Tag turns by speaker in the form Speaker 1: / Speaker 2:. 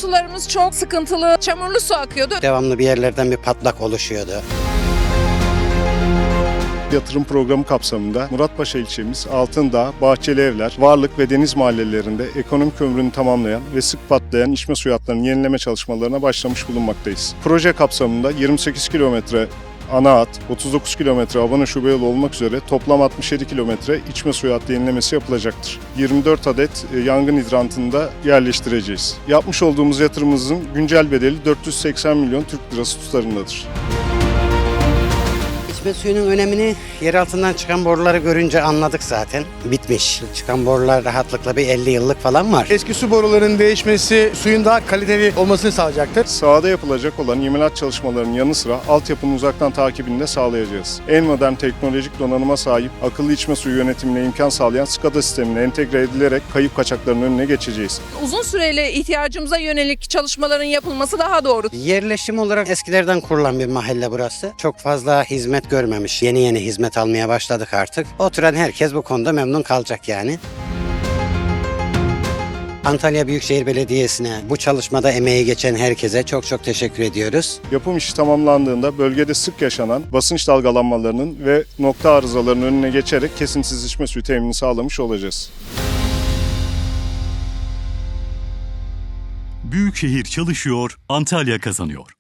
Speaker 1: sularımız çok sıkıntılı, çamurlu su akıyordu.
Speaker 2: Devamlı bir yerlerden bir patlak oluşuyordu.
Speaker 3: Yatırım programı kapsamında Muratpaşa ilçemiz Altındağ, Bahçeli Evler, Varlık ve Deniz mahallelerinde ekonomik ömrünü tamamlayan ve sık patlayan içme suyu hatlarının yenileme çalışmalarına başlamış bulunmaktayız. Proje kapsamında 28 kilometre ana hat, 39 kilometre Abana şube yolu olmak üzere toplam 67 kilometre içme suyu hattı yenilemesi yapılacaktır. 24 adet yangın hidrantını da yerleştireceğiz. Yapmış olduğumuz yatırımımızın güncel bedeli 480 milyon Türk lirası tutarındadır.
Speaker 2: İçme suyunun önemini yer altından çıkan boruları görünce anladık zaten. Bitmiş. Çıkan borular rahatlıkla bir 50 yıllık falan var.
Speaker 4: Eski su borularının değişmesi suyun daha kaliteli olmasını sağlayacaktır.
Speaker 3: Sahada yapılacak olan imalat çalışmalarının yanı sıra altyapının uzaktan takibini de sağlayacağız. En modern teknolojik donanıma sahip akıllı içme suyu yönetimine imkan sağlayan SCADA sistemine entegre edilerek kayıp kaçaklarının önüne geçeceğiz.
Speaker 1: Uzun süreli ihtiyacımıza yönelik çalışmaların yapılması daha doğru.
Speaker 2: Yerleşim olarak eskilerden kurulan bir mahalle burası. Çok fazla hizmet görmemiş. Yeni yeni hizmet almaya başladık artık. Oturan herkes bu konuda memnun kalacak yani. Antalya Büyükşehir Belediyesi'ne, bu çalışmada emeği geçen herkese çok çok teşekkür ediyoruz.
Speaker 3: Yapım işi tamamlandığında bölgede sık yaşanan basınç dalgalanmalarının ve nokta arızalarının önüne geçerek kesintisiz içme suyu teminini sağlamış olacağız.
Speaker 5: Büyükşehir çalışıyor, Antalya kazanıyor.